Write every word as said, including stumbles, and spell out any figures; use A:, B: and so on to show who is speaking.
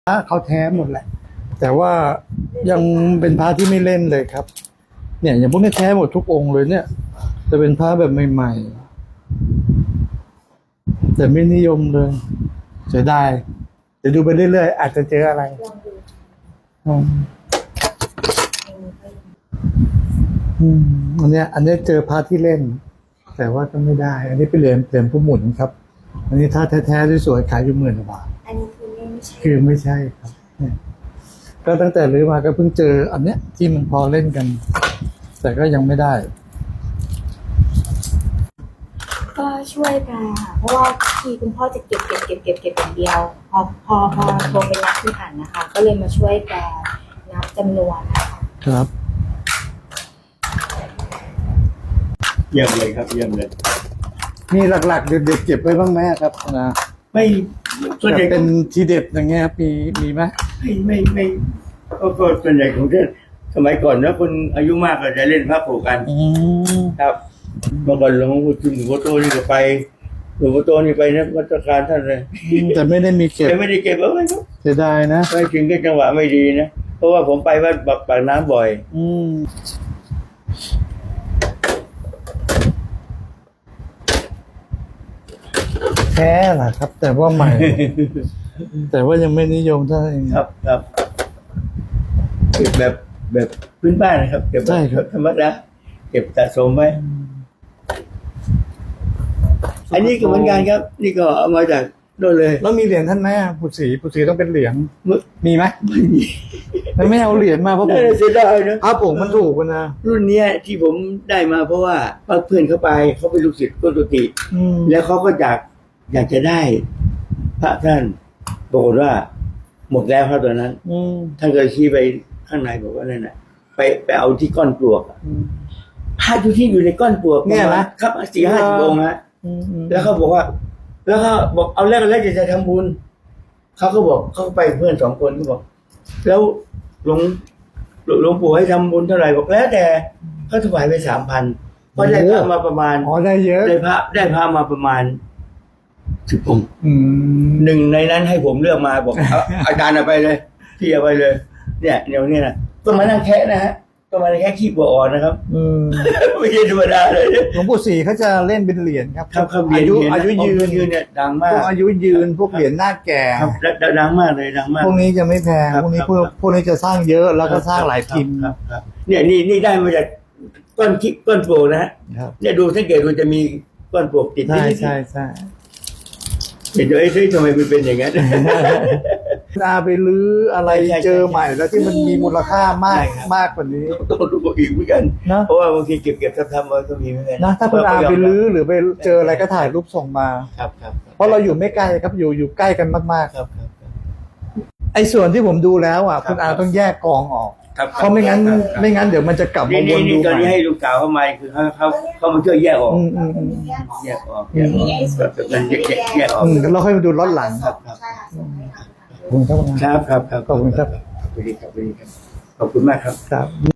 A: พระเขาแท้หมดแหละแต่ว่ายังเป็นพระที่ไม่เล่นเลยครับเนี่ยอย่างพวกนี้แท้หมดทุกองค์เลยเนี่ยจะเป็นพระแบบใหม่ๆแต่ไม่นิยมเลยเสียดายเดี๋ยวดูไปเรื่อยๆอาจจะเจออะไรอืมอืมอันเนี้ยอันนี้เจอพระที่เล่นแต่ว่าก็ไม่ได้ อันนี้เป็นเหรียญเหรียญผู้หมุนครับอันนี้ถ้าแท้ๆสวยๆขายอยู่หมื่นกว่าบาท
B: อันนี้คือไม่ใช่
A: คือไม่ใช่ครับเนี่ยก็ตั้งแต่รื้อมาก็เพิ่งเจออันเนี้ยที่มันพอเล่นกันแต่ก็ยังไม่ได้
B: ก็ช่วยกันค่ะเพราะว่าทีคุณพ่อจะเก็บเก็บเก็บเก็บเก็บอย่างเดียวพอพอพอโทรไปนับที่อ่านนะคะ ก็เลยมาช่วยแกนับจำนวนนะคะ
A: ครับ
C: เยี่ยมเลยครับเยี่ยมเลย
A: มีหลักๆเด็ดๆเก็บไว้บ้างไหมครับนะ
C: ไม่ส่วนใหญ่
A: เป็นทีเด็ดอย่างเงี้ยมีมีไหม
C: ไม่ไม่ไม่ก็ก็ส่วนใหญ่ของเช่นสมัยก่อนนะคนอายุมากก็จะเล่นพระโผกันครับเมื่อก่อนหลวงพ่อคุณหลวงพ่อโตนี่ก็ไปหลวงพ่อโตนี่ไปนะวัดการท่านเลย
A: แต่ไม่ได้มีเก็บ
C: แต่ไม่ได้เก็บเอาไว้ครับ
A: เสียดายนะ
C: ไม่ถึงก็จังหวะไม่ดีนะเพราะว่าผมไปวัดปากน้ำบ่อย
A: อืมแท้แหละครับแต่ว่าใหม่ แต่ว่ายังไม่นิยมเท่าไหร่
C: ครับครับเก็บแบบแบบพื้นบ้านนะครับเก็บแบบธรรมดาเก็บสะสมไว้อันนี้ก็เหมือนกันครับนี่ก็เอามาจากโน่นเลย
A: แล้วมีเหรียญท่านไหมปุษีปุษีต้องเป็นเหรียญมีไหมไม่มีไม่เอาเหรียญมาเพราะผม
C: เสียดายนะ
A: พระผงมันถูกกันนะ
C: รุ่นนี้ที่ผมได้มาเพราะว่าเพื่อนเขาไปเขาเป็นลูกศิษย์ก้นตุติแล้วเขาก็อยากอยากจะได้พระท่านบอกว่าหมดแล้วครับตอนนั้นท่านก็ชี้ไปข้างในบอกว่านั่นแหละไปไปเอาที่ก้อนปลวกพระที่อยู่ในก้อนปลวก
A: เนี่ยนะครับ
C: สี่ห้าสิบองค์ฮะแล้วเขาบอกว่าแล้วเขาบอกเอาแรกแรกจะจะทำบุญเขาก็บอกเขาไปเพื่อนสองคนเขาบอกแล้วหลวงหลวงปู่ให้ทำบุญเท่าไหร่บอกแล้วแต่เขาถวายไปสามพันเพราะได้พระมาประมาณ
A: อ๋อได้เยอะ
C: ได้พระได้พระมาประมาณสิบองค์หนึ่งในนั้นให้ผมเลือกมาบอกอาจารย์เอาไปเลยพี่เอาไปเลยเนี่ยเดี๋ยวนี้นะต้องมานั่งแคะนะฮะต้องมาแค่ขี้บัวอ่อนนะครับไม่ใช่ธรรมดาเลย
A: หลวงปู่ศรีเขาจะเล่นเป็นเหรียญครับ
C: ครับครับ
A: อายุอายุยืน
C: ยืนเนี่ยดังมากพวก
A: อายุยืนพวกเหรียญหน้าแก่
C: ครับดังมากเลยดังมาก
A: พวกนี้จะไม่แพงพวกนี้พวกพวกนี้จะสร้างเยอะแล้วก็สร้างหลายพิมพ์
C: ครับเนี่ยนี่นี่ได้มาจากก้อนขี้ก้อนโป่งนะฮะเนี่ยดูสังเกตดูจะมีก้อนโป่งติด
A: ใช่ใช่ใช่
C: เห็นด้วยซิทำไมมันเป็นอย่างนั้น
A: อาไปลื้ออะไรเจอใหม่แล้วที่มันมีมูลค่ามากมากกว่านี้
C: ต้องดูอีกเหมือนกันนะเพราะว่าบางทีเก็บเก็บทำๆมาก็มีเหมือนกัน
A: นะถ้าคุณอาไปลื้อหรือไปเจออะไรก็ถ่ายรูปส่งมา
C: ครับครับ
A: เพราะเราอยู่ไม่ไกลครับอยู่อยู่ใกล้กันมากๆ
C: ครับ
A: ไอ้ส่วนที่ผมดูแล้วอ่ะคุณอาต้องแยกกองออกเพราะไม่งั้นไม่งั้นเดี๋ยวมันจะกลับมาวนดู
C: ตอนนี้ให้ลูกสาวเข้ามาคือเขาเขาเขามาช่วยแยกออกแยกออกแยกออกมันแยกแยกออก
A: เราค่อยมาดูล้อนหลัง
C: ครับ
A: ขอบคุณครับ
C: ครับครับ
A: ขอบคุณครับ
C: ขอบคุณครับขอบคุณมากครับ
A: ครับ